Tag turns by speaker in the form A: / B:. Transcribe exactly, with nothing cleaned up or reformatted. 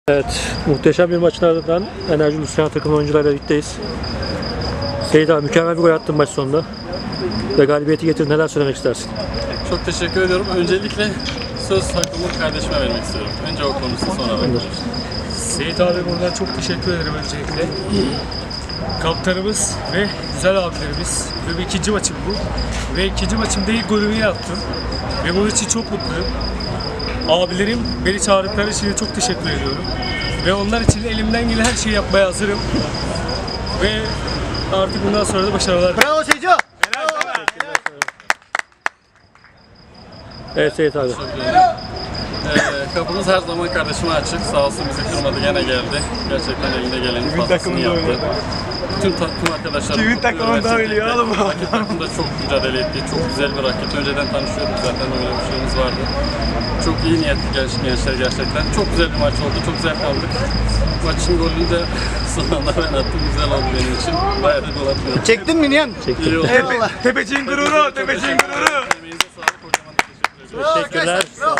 A: Evet, muhteşem bir maçın ardından Enerji Luciana takım oyuncularıyla birlikteyiz. Seyit abi, mükemmel bir gol attın maç sonunda ve galibiyeti getirdin. Neler söylemek istersin?
B: Çok teşekkür ediyorum. Öncelikle söz hakkımı kardeşime vermek istiyorum. Önce o konusu, sonra ben konuşayım.
C: Seyit abi buradan çok teşekkür ederim öncelikle. Kaptanımız ve güzel abilerimiz. Ve ikinci maçım bu. Ve ikinci maçımda ilk golümü attım. Ve bunun için çok mutluyum. Abilerim beni çağırdıkları için çok teşekkür ediyorum. Ve onlar için elimden gelen her şeyi yapmaya hazırım. Ve artık bundan sonra da başarılar.
D: Bravo Seyco!
A: Evet Seyit abi.
B: Ee, kapımız her zaman kardeşime açık. Sağ olsun bizi kırmadı, gene geldi. Gerçekten elinde gelenin fazlasını yaptı. Bütün takım arkadaşlar.
D: Kimin takımında oynuyor oğlum bu?
B: Rakip takımda çok mücadele etti. Çok güzel bir rakip. Önceden tanışıyorduk zaten, öyle bir şeyimiz vardı. Çok iyi niyetli gençler gerçekten. Çok güzel bir maç oldu. Çok güzel kaldık. Maçın golünü de sonunda ben attım. Güzel oldu benim için. Bayağı da gol atmıyorum.
D: Çektin mi Nihan?
B: İyi oldu.
D: Eyvallah. Tepeciğin gururu, tepeciğin gururu.
B: Emeğinize sağlık. Kocaman teşekkür ederim.
A: Teşekkürler.